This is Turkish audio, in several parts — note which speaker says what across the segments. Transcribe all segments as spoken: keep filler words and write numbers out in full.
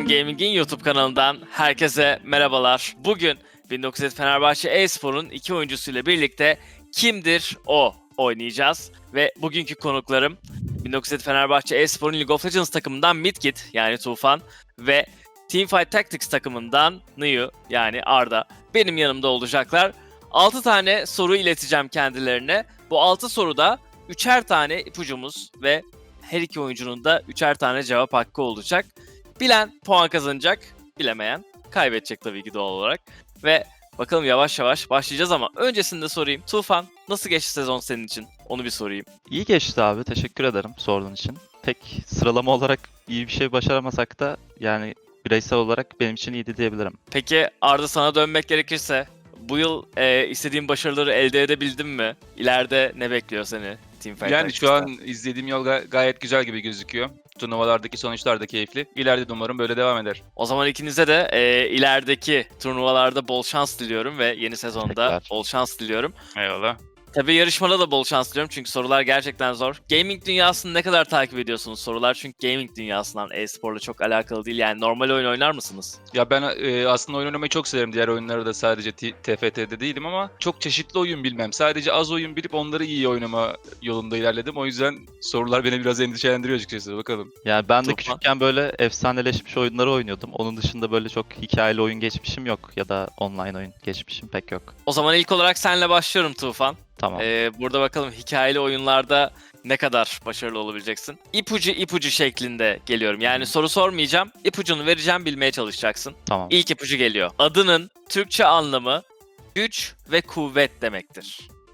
Speaker 1: Gaming'in YouTube kanalından herkese merhabalar. Bugün bin dokuz yüz Fenerbahçe e-spor'un iki oyuncusuyla birlikte Kimdir O oynayacağız. Ve bugünkü konuklarım bin dokuz yüz Fenerbahçe e-spor'un League of Legends takımından Midgit yani Tufan ve Teamfight Tactics takımından Niyu yani Arda benim yanımda olacaklar. altı tane soru ileteceğim kendilerine. Bu altı soruda üçer tane ipucumuz ve her iki oyuncunun da üçer tane cevap hakkı olacak. Bilen puan kazanacak, bilemeyen kaybedecek tabii ki doğal olarak. Ve bakalım yavaş yavaş başlayacağız ama öncesinde sorayım. Tufan, nasıl geçti sezon senin için? Onu bir sorayım.
Speaker 2: İyi geçti abi. Teşekkür ederim sorduğun için. Pek sıralama olarak iyi bir şey başaramasak da yani bireysel olarak benim için iyiydi diyebilirim.
Speaker 1: Peki Arda, sana dönmek gerekirse bu yıl e, istediğin başarıları elde edebildin mi? İleride ne bekliyor seni Teamfight
Speaker 3: Yani
Speaker 1: Tactics'te?
Speaker 3: şu an izlediğim yol ga- gayet güzel gibi gözüküyor. Turnuvalardaki sonuçlar da keyifli. İleride de umarım böyle devam eder.
Speaker 1: O zaman ikinize de e, ilerideki turnuvalarda bol şans diliyorum ve yeni sezonda
Speaker 2: Teşekkürler.
Speaker 1: bol şans diliyorum.
Speaker 3: Eyvallah.
Speaker 1: Tabii yarışmada da bol şans diliyorum çünkü sorular gerçekten zor. Gaming dünyasını ne kadar takip ediyorsunuz sorular? Çünkü gaming dünyasından e-sporla çok alakalı değil. Yani normal oyun oynar mısınız?
Speaker 3: Ya ben e, aslında oyun oynamayı çok severim. Diğer oyunları da sadece T- TFT'de değilim ama çok çeşitli oyun bilmem. Sadece az oyun bilip onları iyi oynama yolunda ilerledim. O yüzden sorular beni biraz endişelendiriyor açıkçası. Bakalım.
Speaker 2: Yani ben de
Speaker 1: Tufan.
Speaker 2: küçükken böyle efsaneleşmiş oyunları oynuyordum. Onun dışında böyle çok hikayeli oyun geçmişim yok ya da online oyun geçmişim pek yok.
Speaker 1: O zaman ilk olarak senle başlıyorum Tufan.
Speaker 2: Tamam.
Speaker 1: Ee, burada bakalım hikayeli oyunlarda ne kadar başarılı olabileceksin. İpucu ipucu şeklinde geliyorum. Yani soru sormayacağım. İpucunu vereceğim, bilmeye çalışacaksın.
Speaker 2: Tamam.
Speaker 1: İlk ipucu geliyor. Adının Türkçe anlamı güç ve kuvvet demektir.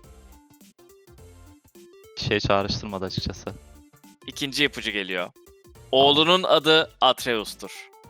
Speaker 2: Şey çağrıştırmadı açıkçası.
Speaker 1: İkinci ipucu geliyor. Oğlunun adı Atreus'tur.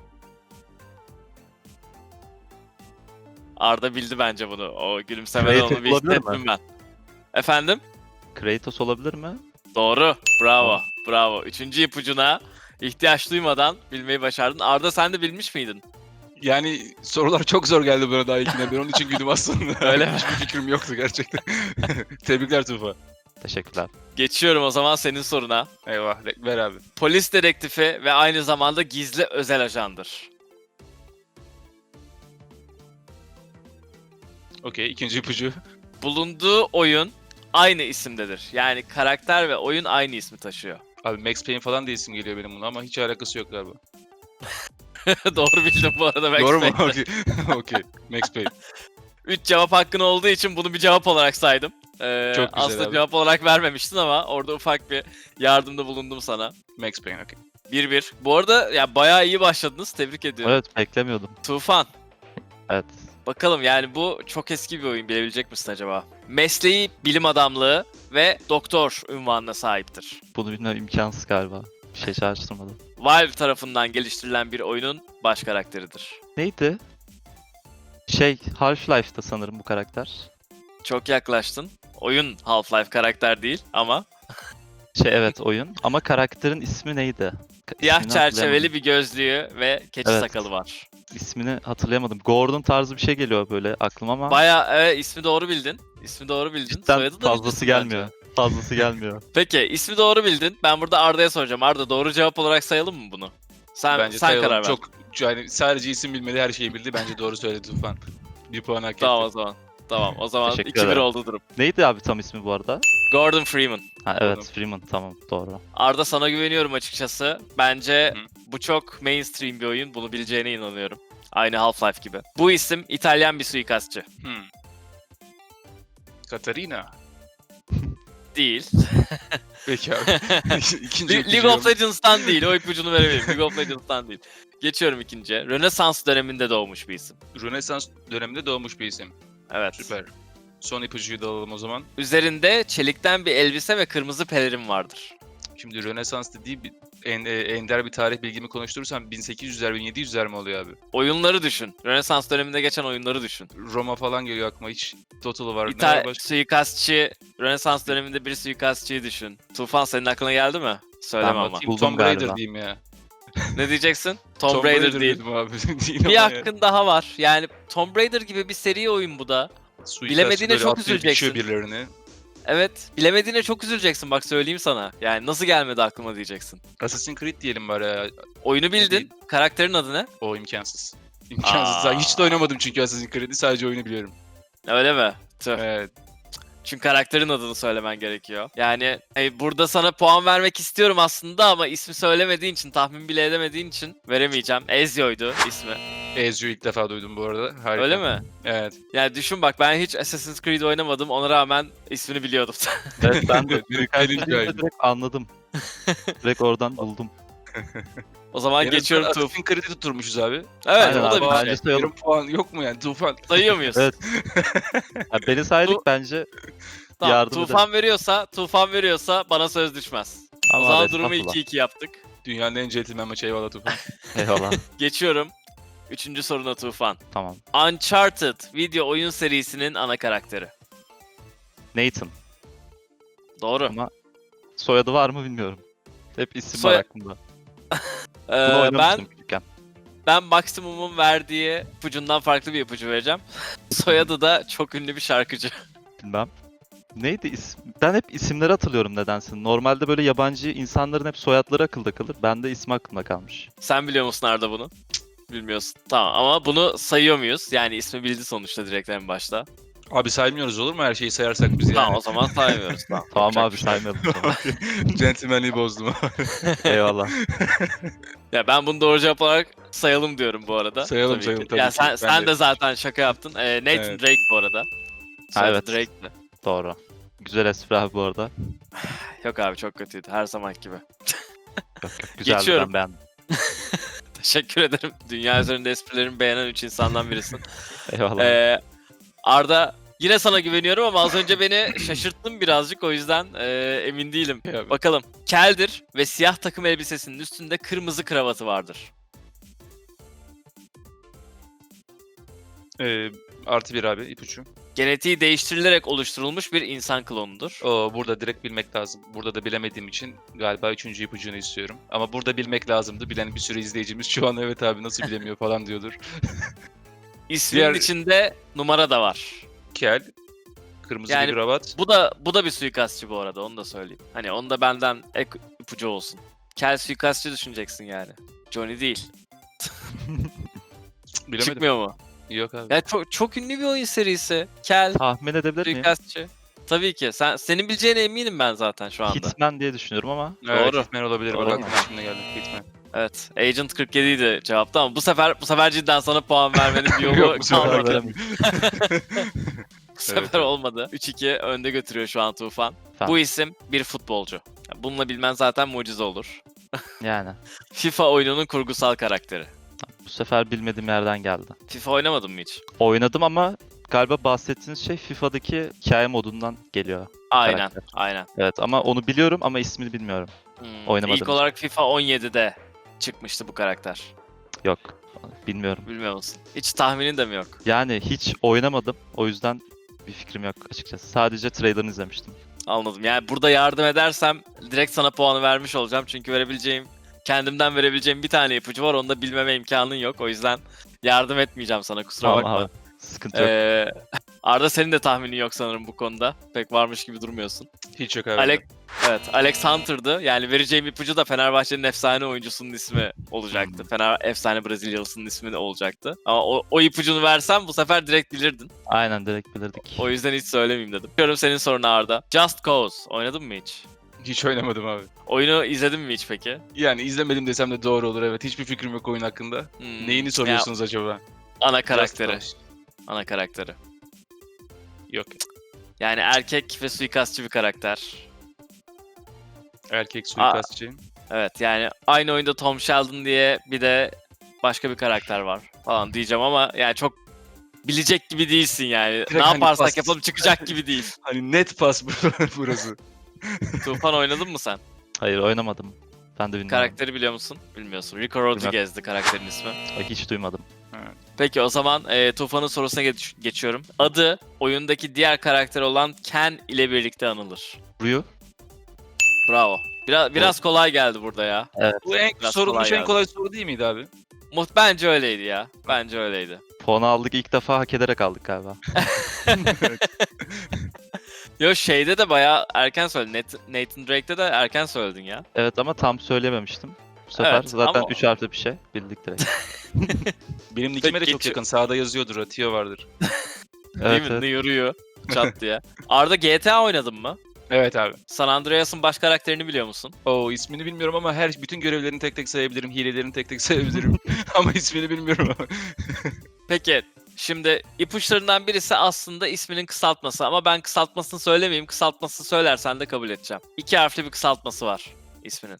Speaker 1: Arda bildi bence bunu. O gülümsemeden
Speaker 2: Kratos
Speaker 1: onu bir
Speaker 2: olabilir mi?
Speaker 1: hissettim ben. Efendim?
Speaker 2: Kratos olabilir mi?
Speaker 1: Doğru. Bravo.
Speaker 2: Tamam.
Speaker 1: Bravo. Üçüncü ipucuna ihtiyaç duymadan bilmeyi başardın. Arda, sen de bilmiş miydin?
Speaker 3: Yani sorular çok zor geldi bana daha ilkine. Ben onun için güldüm aslında.
Speaker 1: Öyle mi?
Speaker 3: Hiçbir fikrim yoktu gerçekten. Tebrikler Tufa.
Speaker 2: Teşekkürler.
Speaker 1: Geçiyorum o zaman senin soruna.
Speaker 3: Eyvah. Ver abi.
Speaker 1: Polis dedektifi ve aynı zamanda gizli özel ajandır.
Speaker 3: Okey. ikinci ipucu.
Speaker 1: Bulunduğu oyun aynı isimdedir. Yani karakter ve oyun aynı ismi taşıyor.
Speaker 3: Abi Max Payne falan diye isim geliyor benim buna ama hiç alakası yok galiba.
Speaker 1: Doğru bildim bu arada. Max
Speaker 3: Doğru mu?
Speaker 1: Payne.
Speaker 3: Okey. Okey. Max Payne.
Speaker 1: Üç cevap hakkın olduğu için bunu bir cevap olarak saydım. Ee,
Speaker 3: Çok güzel
Speaker 1: aslında
Speaker 3: abi.
Speaker 1: cevap olarak vermemiştin ama orada ufak bir yardımda bulundum sana.
Speaker 3: Max Payne okey.
Speaker 1: bir bir. Bu arada ya bayağı iyi başladınız. Tebrik ediyorum.
Speaker 2: Evet, beklemiyordum.
Speaker 1: Tufan.
Speaker 2: Evet.
Speaker 1: Bakalım, yani bu çok eski bir oyun, bilebilecek misin acaba? Mesleği bilim adamlığı ve doktor unvanına sahiptir.
Speaker 2: Bunu bilmem imkansız galiba. Bir şey çağrıştırmadı.
Speaker 1: Valve tarafından geliştirilen bir oyunun baş karakteridir.
Speaker 2: Neydi? Şey, Half-Life'da sanırım bu karakter.
Speaker 1: Çok yaklaştın. Oyun Half-Life karakter değil ama
Speaker 2: Şey evet oyun ama karakterin ismi neydi? Ka-
Speaker 1: siyah
Speaker 2: ismini
Speaker 1: çerçeveli
Speaker 2: hatırlayamadım.
Speaker 1: bir gözlüğü ve keçi
Speaker 2: Evet.
Speaker 1: sakalı var.
Speaker 2: İsmini hatırlayamadım. Gordon tarzı bir şey geliyor böyle aklıma ama
Speaker 1: Bayağı evet, ismi doğru bildin. İsmi doğru bildin.
Speaker 2: cidden
Speaker 1: Soyadı da
Speaker 2: fazlası
Speaker 1: bilirsin
Speaker 2: gelmiyor.
Speaker 1: bence.
Speaker 2: Fazlası gelmiyor.
Speaker 1: Peki, ismi doğru bildin. Ben burada Arda'ya soracağım. Arda, doğru cevap olarak sayalım mı bunu? Sen
Speaker 3: Bence
Speaker 1: sen
Speaker 3: sayalım.
Speaker 1: karar ver.
Speaker 3: Çok yani sadece isim bilmedi, her şeyi bildi. Bence doğru söyledi Tufan. Bir puan hak etti.
Speaker 1: Tamam o zaman. Tamam o zaman
Speaker 2: Teşekkür
Speaker 1: iki bir
Speaker 2: ederim.
Speaker 1: oldu durum.
Speaker 2: Neydi abi tam ismi bu arada?
Speaker 1: Gordon Freeman.
Speaker 2: Ha evet
Speaker 3: Gordon.
Speaker 2: Freeman tamam doğru.
Speaker 1: Arda, sana güveniyorum açıkçası. Bence
Speaker 3: Hı.
Speaker 1: bu çok mainstream bir oyun. Bunu bileceğine inanıyorum. Aynı Half-Life gibi. Bu isim İtalyan bir suikastçı.
Speaker 3: Hmm. Katarina.
Speaker 1: Değil.
Speaker 3: Peki abi. İkinci
Speaker 1: Le-
Speaker 3: ipucu
Speaker 1: League of
Speaker 3: yolda.
Speaker 1: Legends'tan değil. O ipucunu verebilirim. League of Legends'tan değil. Geçiyorum ikinciye. Rönesans döneminde doğmuş bir isim.
Speaker 3: Rönesans döneminde doğmuş bir isim.
Speaker 1: Evet.
Speaker 3: Süper. Son ipucuyu da alalım o zaman.
Speaker 1: Üzerinde çelikten bir elbise ve kırmızı pelerin vardır.
Speaker 3: Şimdi Rönesans dediği bir, en, e, ender bir tarih bilgimi konuşturursam bin sekiz yüzler bin yedi yüzler mi oluyor abi?
Speaker 1: Oyunları düşün. Rönesans döneminde geçen oyunları düşün.
Speaker 3: Roma falan geliyor aklıma, hiç Total'ı var. Ne var
Speaker 1: İtal
Speaker 3: başka?
Speaker 1: suikastçı, Rönesans döneminde bir suikastçıyı düşün. Tufan, senin aklına geldi mi? Söyleme
Speaker 2: Ben
Speaker 1: ama.
Speaker 2: bakayım.
Speaker 3: Kim? Tom
Speaker 2: Buldum
Speaker 3: Raider
Speaker 2: galiba.
Speaker 3: diyeyim ya.
Speaker 1: Ne diyeceksin? Tomb Raider değil.
Speaker 3: dedim abi. Değil
Speaker 1: Bir
Speaker 3: ama
Speaker 1: hakkın daha var. Yani Tomb Raider gibi bir seri oyun bu da.
Speaker 3: Suikastçı
Speaker 1: bilemediğine
Speaker 3: böyle
Speaker 1: çok
Speaker 3: atlıyor,
Speaker 1: üzüleceksin.
Speaker 3: biçiyor birilerini.
Speaker 1: Evet. Bilemediğine çok üzüleceksin bak söyleyeyim sana. Yani nasıl gelmedi aklıma diyeceksin.
Speaker 3: Assassin's Creed diyelim bari ya.
Speaker 1: Oyunu bildin.
Speaker 3: değil?
Speaker 1: Karakterin adı ne?
Speaker 3: O imkansız. İmkansız.
Speaker 1: Aa.
Speaker 3: Hiç de oynamadım çünkü Assassin's Creed'i. Sadece oyunu biliyorum.
Speaker 1: Öyle mi? Tüh.
Speaker 3: Evet.
Speaker 1: Çünkü karakterin adını söylemen gerekiyor. Yani e, burada sana puan vermek istiyorum aslında ama ismi söylemediğin için, tahmin bile edemediğin için veremeyeceğim. Ezio'ydu ismi.
Speaker 3: Ezio'yu ilk defa duydum bu arada. Harika.
Speaker 1: Öyle mi?
Speaker 3: Evet.
Speaker 1: Yani düşün bak ben hiç Assassin's Creed oynamadım. Ona rağmen ismini biliyordum.
Speaker 2: Evet ben de
Speaker 3: Evet,
Speaker 2: suikastçı
Speaker 3: benim
Speaker 2: deyince
Speaker 3: hikayem.
Speaker 2: direkt anladım. Direkt oradan buldum.
Speaker 1: O zaman
Speaker 3: En
Speaker 1: geçiyorum
Speaker 3: azından
Speaker 1: Tuf.
Speaker 3: Assassin's Creed'i tutturmuşuz abi.
Speaker 1: Evet
Speaker 2: Aynen
Speaker 1: o da
Speaker 2: abi,
Speaker 1: bir
Speaker 2: bence
Speaker 1: şey.
Speaker 2: sayalım.
Speaker 3: Yarım puan yok mu yani Tufan?
Speaker 1: Sayıyor muyuz?
Speaker 2: Evet. Ya beni saydık
Speaker 1: Bu-
Speaker 2: bence.
Speaker 1: Tamam,
Speaker 2: yardım
Speaker 1: Tufan veriyorsa, Tufan veriyorsa bana söz düşmez.
Speaker 2: Ama
Speaker 1: o zaman
Speaker 2: abi,
Speaker 1: durumu
Speaker 2: estağfurullah.
Speaker 1: iki iki yaptık.
Speaker 3: Dünyanın en centilmen maçı eyvallah Tufan.
Speaker 2: Eyvallah.
Speaker 1: Geçiyorum. Üçüncü soruna Tufan.
Speaker 2: Tamam.
Speaker 1: Uncharted video oyun serisinin ana karakteri.
Speaker 2: Nathan.
Speaker 1: Doğru.
Speaker 2: Ama soyadı var mı bilmiyorum. Hep isim
Speaker 1: Soya-
Speaker 2: var aklımda.
Speaker 1: Ee,
Speaker 2: Bunu
Speaker 1: ben
Speaker 2: oynamıştım küçükken.
Speaker 1: ben maksimumum verdiği ipucundan farklı bir ipucu vereceğim. Soyadı da çok ünlü bir şarkıcı.
Speaker 2: Bilmem. Neydi isim? Ben hep isimleri hatırlıyorum nedense. Normalde böyle yabancı insanların hep soyadları akılda kalır. Bende ismi aklımda kalmış.
Speaker 1: Sen biliyor musun Arda bunu? Bilmiyorsun. Tamam ama bunu sayıyor muyuz? Yani ismi bildi sonuçta direkt en başta.
Speaker 3: Abi saymıyoruz olur mu her şeyi sayarsak biz yani?
Speaker 1: Tamam o zaman saymıyoruz. Tamam,
Speaker 2: Tamam
Speaker 1: yapacak
Speaker 2: abi
Speaker 1: bir şey yok.
Speaker 2: saymayalım o zaman.
Speaker 3: Gentlemanliği bozdum.
Speaker 2: Eyvallah.
Speaker 1: Ya ben bunu doğru cevap olarak sayalım diyorum bu arada.
Speaker 3: Sayalım,
Speaker 1: Tabii
Speaker 3: sayalım
Speaker 1: ki.
Speaker 3: tabii
Speaker 1: Ya
Speaker 3: ki.
Speaker 1: sen,
Speaker 3: Ben
Speaker 1: sen
Speaker 3: de.
Speaker 1: de zaten şaka yaptın. Ee, Nathan
Speaker 3: Evet.
Speaker 1: Drake bu arada. Soyadı
Speaker 2: evet.
Speaker 1: Drake'ti.
Speaker 2: Doğru. Güzel espri abi bu arada.
Speaker 1: Yok abi çok kötüydü her zaman gibi.
Speaker 2: Yok yok güzeldi,
Speaker 1: Geçiyorum.
Speaker 2: ben beğendim.
Speaker 1: Teşekkür ederim. Dünya üzerinde esprilerimi beğenen üç insandan birisin.
Speaker 2: Eyvallah.
Speaker 1: Ee, Arda yine sana güveniyorum ama az önce beni şaşırttın birazcık o yüzden e, emin değilim.
Speaker 3: Ya,
Speaker 1: Bakalım. Keldir ve siyah takım elbisesinin üstünde kırmızı kravatı vardır.
Speaker 3: Ee, artı bir abi ipucu.
Speaker 1: Genetiği değiştirilerek oluşturulmuş bir insan klonudur.
Speaker 3: Oo, burada direkt bilmek lazım. Burada da bilemediğim için galiba üçüncü ipucunu istiyorum. Ama burada bilmek lazımdı. Bilen bir sürü izleyicimiz şu an evet abi nasıl bilemiyor falan diyordur.
Speaker 1: İsminin
Speaker 3: Diğer-
Speaker 1: içinde numara da var.
Speaker 3: Kel, kırmızı
Speaker 1: Yani-
Speaker 3: bir kravat.
Speaker 1: Bu da bu da bir suikastçı bu arada onu da söyleyeyim. Hani onu da benden ek ipucu olsun. Kel suikastçı düşüneceksin yani. Johnny değil.
Speaker 3: Bilemedim.
Speaker 1: Çıkmıyor mu?
Speaker 3: Yok abi.
Speaker 1: Ya çok çok ünlü bir oyun serisi. Kel
Speaker 2: Tahmin edebilir miyim?
Speaker 1: suikastçı. Tabii ki. Sen senin bileceğine eminim ben zaten şu anda.
Speaker 2: Hitman diye düşünüyorum ama.
Speaker 3: Evet,
Speaker 1: Doğru.
Speaker 3: Hitman olabilir.
Speaker 1: Doğru.
Speaker 3: Bak aklıma şimdi geldi. Hitman.
Speaker 1: Evet. Agent kırk yedi idi cevapta ama bu sefer bu sefer cidden sana puan vermenin bir yolu
Speaker 3: Yok, bu sefer
Speaker 1: kalmadı.
Speaker 2: veremem.
Speaker 1: Bu sefer
Speaker 3: Evet, evet.
Speaker 1: olmadı. üç iki önde götürüyor şu an Tufan.
Speaker 2: Tamam.
Speaker 1: Bu isim bir futbolcu. Bununla bilmen zaten mucize olur.
Speaker 2: Yani.
Speaker 1: FIFA oyununun kurgusal karakteri.
Speaker 2: Bu sefer bilmediğim yerden geldi.
Speaker 1: FIFA oynamadın mı hiç?
Speaker 2: Oynadım ama galiba bahsettiğiniz şey FIFA'daki hikaye modundan geliyor.
Speaker 1: Aynen,
Speaker 2: Karakter.
Speaker 1: aynen.
Speaker 2: Evet ama onu biliyorum ama ismini bilmiyorum.
Speaker 1: Hmm.
Speaker 2: Oynamadım.
Speaker 1: İlk olarak FIFA on yedide çıkmıştı bu karakter.
Speaker 2: Yok. Bilmiyorum.
Speaker 1: Bilmiyor musun? Hiç tahminin de mi yok?
Speaker 2: Yani hiç oynamadım. O yüzden bir fikrim yok açıkçası. Sadece trailerını izlemiştim.
Speaker 1: Anladım. Yani burada yardım edersem direkt sana puanı vermiş olacağım. Çünkü verebileceğim, kendimden verebileceğim bir tane ipucu var. Onu da bilmeme imkanın yok. O yüzden yardım etmeyeceğim sana kusura
Speaker 2: Tamam
Speaker 1: bakma.
Speaker 2: abi. Sıkıntı yok.
Speaker 1: Ee, Arda senin de tahminin yok sanırım bu konuda. Pek varmış gibi durmuyorsun.
Speaker 3: Hiç yok abi.
Speaker 1: Alex, evet, Alex Hunter'dı. Yani vereceğim ipucu da Fenerbahçe'nin efsane oyuncusunun ismi olacaktı.
Speaker 3: Hmm.
Speaker 1: Fener efsane Brezilyalısının ismi de olacaktı. Ama o, o ipucunu versem bu sefer direkt bilirdin.
Speaker 2: Aynen direkt bilirdik.
Speaker 1: O yüzden hiç söylemeyeyim dedim. Diyorum senin soruna Arda. Just Cause oynadın mı hiç?
Speaker 3: Hiç oynamadım abi.
Speaker 1: Oyunu izledin mi hiç peki?
Speaker 3: Yani izlemedim desem de doğru olur evet. Hiçbir fikrim yok oyun hakkında.
Speaker 1: Hmm,
Speaker 3: Neyini soruyorsunuz acaba?
Speaker 1: ya, ana karakteri.
Speaker 3: Just Cause.
Speaker 1: Ana karakteri.
Speaker 3: Yok.
Speaker 1: Yani erkek ve suikastçı bir karakter.
Speaker 3: Erkek suikastçı.
Speaker 1: Evet yani aynı oyunda Tom Sheldon diye bir de başka bir karakter var falan diyeceğim ama yani çok bilecek gibi değilsin yani.
Speaker 3: Direkt
Speaker 1: ne
Speaker 3: hani
Speaker 1: yaparsak
Speaker 3: pas.
Speaker 1: yapalım çıkacak gibi değil.
Speaker 3: Hani net pas burası.
Speaker 1: Tufan oynadın mı sen?
Speaker 2: Hayır oynamadım. Ben de bilmiyorum.
Speaker 1: Karakteri biliyor musun? Bilmiyorsun. Rico Rodriguez'di karakterin ismi.
Speaker 2: Ay, hiç duymadım.
Speaker 1: Peki o zaman e, Tufan'ın sorusuna geç- geçiyorum. Adı oyundaki diğer karakter olan Ken ile birlikte anılır.
Speaker 2: Ryu.
Speaker 1: Bravo. Biraz biraz kolay geldi burada ya.
Speaker 3: Bu en
Speaker 1: Biraz
Speaker 3: sorulmuş
Speaker 1: kolay
Speaker 3: en
Speaker 1: geldi.
Speaker 3: kolay soru değil miydi abi?
Speaker 1: Muht bence öyleydi ya. Bence öyleydi.
Speaker 2: Puanı aldık ilk defa hak ederek aldık galiba.
Speaker 1: Yo şeyde de bayağı erken söyledin. Nat- Nathan Drake'de de erken söyledin ya.
Speaker 2: Evet ama tam söylememiştim. Bu sefer
Speaker 1: Evet,
Speaker 2: zaten
Speaker 1: ama-
Speaker 2: üç harfli bir şey. Bildik direkt.
Speaker 3: Benim nickime de
Speaker 1: Peki,
Speaker 3: çok
Speaker 1: geçiyor.
Speaker 3: yakın. Sağda yazıyordur. Atio vardır.
Speaker 1: Değil
Speaker 2: Evet,
Speaker 1: mi?
Speaker 2: evet.
Speaker 1: Ne yürüyor çat diye. Arda G T A oynadın mı?
Speaker 3: Evet abi.
Speaker 1: San Andreas'ın baş karakterini biliyor musun?
Speaker 3: Oo ismini bilmiyorum ama her bütün görevlerini tek tek sayabilirim. Hilelerini tek tek sayabilirim. Ama ismini bilmiyorum.
Speaker 1: Peki şimdi ipuçlarından birisi aslında isminin kısaltması ama ben kısaltmasını söylemeyeyim. Kısaltmasını söylersen de kabul edeceğim. İki harfli bir kısaltması var isminin.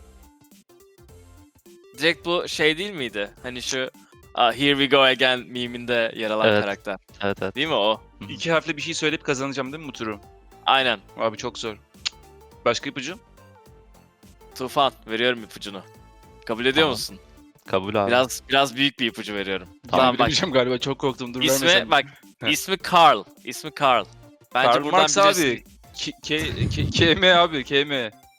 Speaker 1: Direkt bu şey değil miydi? Hani şu "Ah, Here We Go Again miminde yer alan
Speaker 2: Evet.
Speaker 1: karakter.
Speaker 2: Evet evet.
Speaker 1: Değil mi o?
Speaker 3: İki harfli bir şey söyleyip kazanacağım değil mi bu turu?
Speaker 1: Aynen.
Speaker 3: Abi çok zor. Başka ipucu?
Speaker 1: Tufan veriyorum ipucunu. Kabul ediyor
Speaker 2: Tamam.
Speaker 1: musun?
Speaker 2: Kabul abi.
Speaker 1: Biraz biraz büyük bir ipucu veriyorum.
Speaker 3: Tamam,
Speaker 1: Tamam bak.
Speaker 3: bilemeyeceğim galiba. Çok korktum. Dur
Speaker 1: İsmi
Speaker 3: vermesem.
Speaker 1: bak.
Speaker 3: Heh.
Speaker 1: ismi Carl. İsmi Carl. Bence
Speaker 3: Karl
Speaker 1: buradan
Speaker 3: Marx
Speaker 1: bilirsin.
Speaker 3: abi. K, K, K, KM abi. KM.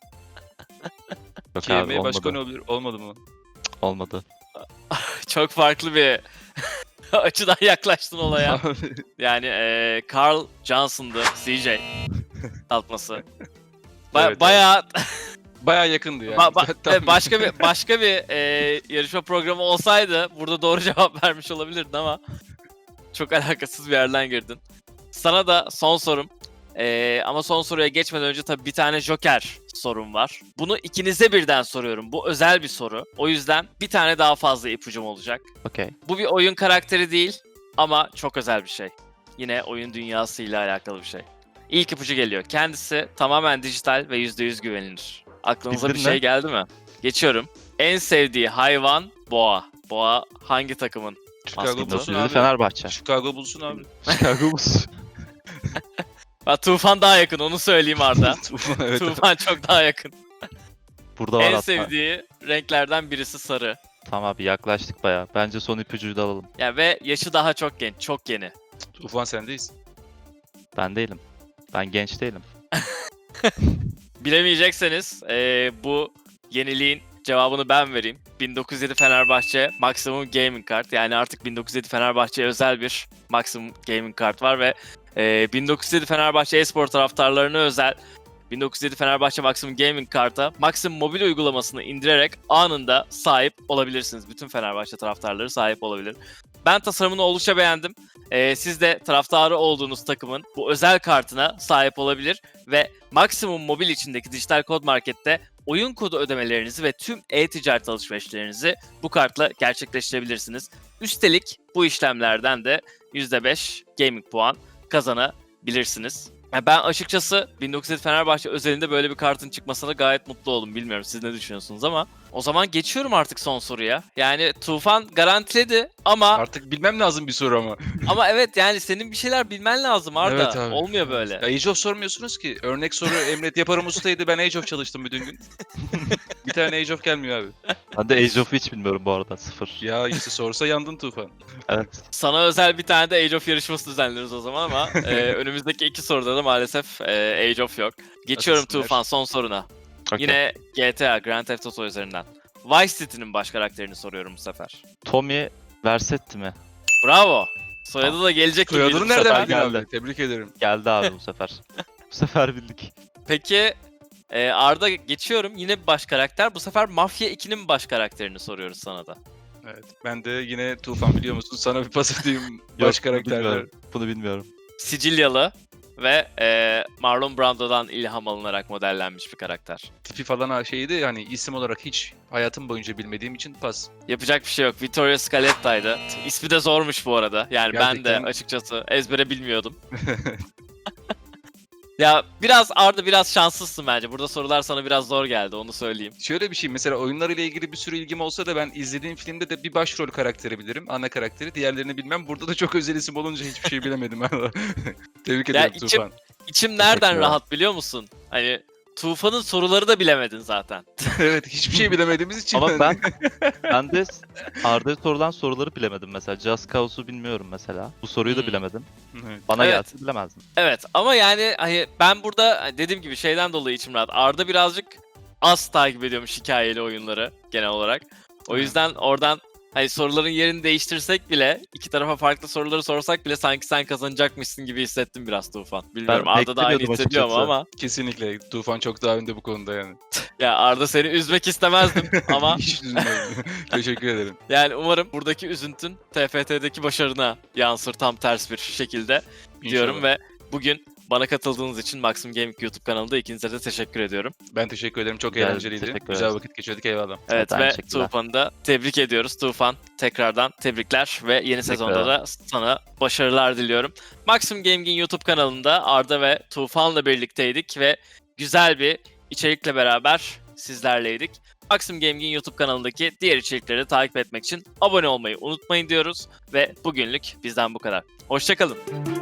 Speaker 2: Yok abi
Speaker 3: KM başka
Speaker 2: olmadı.
Speaker 3: ne olabilir? Olmadı mı?
Speaker 2: Olmadı.
Speaker 1: Çok farklı bir açıdan yaklaştın olaya. Yani eee Carl Johnson'dı C J saltması. Ba-
Speaker 3: Evet, evet.
Speaker 1: bayağı
Speaker 3: Bayağı yakındı yani.
Speaker 1: ba- ba-
Speaker 3: Tamam.
Speaker 1: evet, başka bir başka bir eee, yarışma programı olsaydı burada doğru cevap vermiş olabilirdin ama çok alakasız bir yerden girdin. Sana da son sorum. Eee, ama son soruya geçmeden önce tabii bir tane Joker sorum var. Bunu ikinize birden soruyorum. Bu özel bir soru. O yüzden bir tane daha fazla ipucum olacak.
Speaker 2: Okey.
Speaker 1: Bu bir oyun karakteri değil ama çok özel bir şey. Yine oyun dünyasıyla alakalı bir şey. İlk ipucu geliyor. Kendisi tamamen dijital ve yüzde yüz güvenilir. Aklınıza
Speaker 2: Bildin
Speaker 1: bir şey
Speaker 2: mi?
Speaker 1: geldi mi? Geçiyorum. En sevdiği hayvan boğa. Boğa hangi takımın?
Speaker 3: Chicago
Speaker 1: Aslında
Speaker 3: Bulls'un
Speaker 2: Biri
Speaker 3: abi.
Speaker 2: Fenerbahçe.
Speaker 3: Chicago Bulls'un abi.
Speaker 2: Chicago Bulls.
Speaker 1: Ha, Tufan daha yakın onu söyleyeyim Arda.
Speaker 3: evet.
Speaker 1: Tufan çok daha yakın.
Speaker 2: Burada var
Speaker 1: En
Speaker 2: hatta.
Speaker 1: sevdiği renklerden birisi sarı.
Speaker 2: Tamam abi yaklaştık baya. Bence son ipucuyu da alalım.
Speaker 1: Ya ve yaşı daha çok genç, çok yeni.
Speaker 3: Ufan sendeyiz.
Speaker 2: Ben değilim. Ben genç değilim.
Speaker 1: Bilemeyecekseniz eee, bu yeniliğin cevabını ben vereyim. bin dokuz yüz yedi Fenerbahçe Maximum Gaming Card. Yani artık bin dokuz yüz yedi Fenerbahçe'ye özel bir Maximum Gaming Card var ve eee, bin dokuz yüz yedi Fenerbahçe e-spor taraftarlarına özel bin dokuz yüz yedi Fenerbahçe Maximum Gaming Kart'a Maximum mobil uygulamasını indirerek anında sahip olabilirsiniz. Bütün Fenerbahçe taraftarları sahip olabilir. Ben tasarımını oldukça beğendim. Ee, siz de taraftarı olduğunuz takımın bu özel kartına sahip olabilir ve Maximum Mobil içindeki dijital kod markette oyun kodu ödemelerinizi ve tüm e-ticaret alışverişlerinizi bu kartla gerçekleştirebilirsiniz. Üstelik bu işlemlerden de yüzde beş gaming puan kazanabilirsiniz. Yani ben açıkçası bin dokuz yüz yedi Fenerbahçe özelinde böyle bir kartın çıkmasına gayet mutlu oldum. Bilmiyorum siz ne düşünüyorsunuz ama o zaman geçiyorum artık son soruya. Yani Tufan garantiledi ama
Speaker 3: Artık bilmem lazım bir soru ama.
Speaker 1: ama evet yani senin bir şeyler bilmen lazım Arda.
Speaker 3: Evet abi.
Speaker 1: Olmuyor böyle.
Speaker 3: Ya Age of sormuyorsunuz ki. Örnek soru Emret Yaparım ustaydı. Ben Age of çalıştım bütün gün. Bir tane Age of gelmiyor abi.
Speaker 2: Ben de Age of'u hiç bilmiyorum bu arada. Sıfır.
Speaker 3: Ya işte sorsa yandın Tufan.
Speaker 2: Evet.
Speaker 1: Sana özel bir tane de Age of yarışması düzenleriz o zaman ama e, önümüzdeki iki soruda da maalesef e, Age of yok. Geçiyorum
Speaker 3: Asistler.
Speaker 1: Tufan son soruna.
Speaker 2: Okey.
Speaker 1: Yine G T A Grand Theft Auto üzerinden. Vice City'nin baş karakterini soruyorum bu sefer.
Speaker 2: Tommy Vercetti mi?
Speaker 1: Bravo. Soyadı da gelecek gibi.
Speaker 3: Soyadını
Speaker 1: bu
Speaker 3: nereden
Speaker 1: sefer.
Speaker 3: bildin
Speaker 2: geldi.
Speaker 3: abi? Tebrik ederim.
Speaker 2: Geldi abi bu sefer. Bu sefer bildik.
Speaker 1: Peki e, Arda geçiyorum. Yine bir baş karakter. Bu sefer Mafya ikinin baş karakterini soruyoruz sana da.
Speaker 3: Evet. Ben de yine Tufan biliyor musun? Sana bir pas atayım. Baş
Speaker 2: Yok, bunu
Speaker 3: karakterler.
Speaker 2: bilmiyorum. Bunu bilmiyorum.
Speaker 1: Sicilyalı ve e, Marlon Brando'dan ilham alınarak modellenmiş bir karakter.
Speaker 3: Tipi falan ha- şeydi yani isim olarak hiç hayatım boyunca bilmediğim için pas.
Speaker 1: Yapacak bir şey yok. Vittorio Scaletta'ydı. İsmi de zormuş bu arada. Yani ben
Speaker 3: Gerçekten.
Speaker 1: de açıkçası ezbere bilmiyordum. Ya biraz Arda biraz şanslısın bence. Burada sorular sana biraz zor geldi onu söyleyeyim.
Speaker 3: Şöyle bir şey mesela oyunlarıyla ilgili bir sürü ilgim olsa da ben izlediğim filmde de bir başrol karakteri bilirim. Ana karakteri. Diğerlerini bilmem. Burada da çok özel isim olunca hiçbir şey bilemedim. Tebrik
Speaker 1: Ya
Speaker 3: ederim
Speaker 1: içim-
Speaker 3: Tufan.
Speaker 1: İçim nereden
Speaker 2: Teşekkürler.
Speaker 1: rahat biliyor musun? Hani Tufan'ın soruları da bilemedin zaten.
Speaker 3: Evet hiçbir şey bilemediğimiz için.
Speaker 2: Ama ben ben de Arda'ya sorulan soruları bilemedim mesela. Just Cause'u bilmiyorum mesela. Bu soruyu da
Speaker 1: Hmm.
Speaker 2: bilemedim.
Speaker 3: Evet.
Speaker 2: Bana
Speaker 1: Evet.
Speaker 2: gelse bilemezdim.
Speaker 1: Evet ama yani hani ben burada hani dediğim gibi şeyden dolayı içim rahat. Arda birazcık az takip ediyormuş hikayeli oyunları genel olarak. O
Speaker 3: Evet.
Speaker 1: yüzden oradan hani soruların yerini değiştirsek bile, iki tarafa farklı soruları sorsak bile sanki sen kazanacakmışsın gibi hissettim biraz Tufan. Bilmiyorum
Speaker 2: Ben
Speaker 1: Arda da aynı
Speaker 2: beklemiyordum
Speaker 1: hissediyor mu
Speaker 2: açıkçası.
Speaker 1: ama
Speaker 3: Kesinlikle. Tufan çok daha önde bu konuda yani.
Speaker 1: ya Arda seni üzmek istemezdim ama
Speaker 3: Hiç üzülmedim. Teşekkür ederim.
Speaker 1: yani umarım buradaki üzüntün T F T'deki başarına yansır tam ters bir şekilde diyorum
Speaker 3: İnşallah.
Speaker 1: ve bugün bana katıldığınız için Maximum Gaming YouTube kanalında ikinize de teşekkür ediyorum.
Speaker 3: Ben teşekkür ederim. Çok
Speaker 2: Rica ederim,
Speaker 3: eğlenceliydi.
Speaker 2: teşekkür
Speaker 3: Güzel
Speaker 2: ederiz.
Speaker 3: vakit geçirdik. Eyvallah.
Speaker 1: Evet
Speaker 2: aynı
Speaker 1: ve
Speaker 2: şekilde.
Speaker 1: Tufan'ı da tebrik ediyoruz. Tufan tekrardan tebrikler ve yeni sezonda da sana başarılar diliyorum. Maximum Gaming'in YouTube kanalında Arda ve Tufan'la birlikteydik ve güzel bir içerikle beraber sizlerleydik. Maximum Gaming'in YouTube kanalındaki diğer içerikleri takip etmek için abone olmayı unutmayın diyoruz ve bugünlük bizden bu kadar. Hoşçakalın.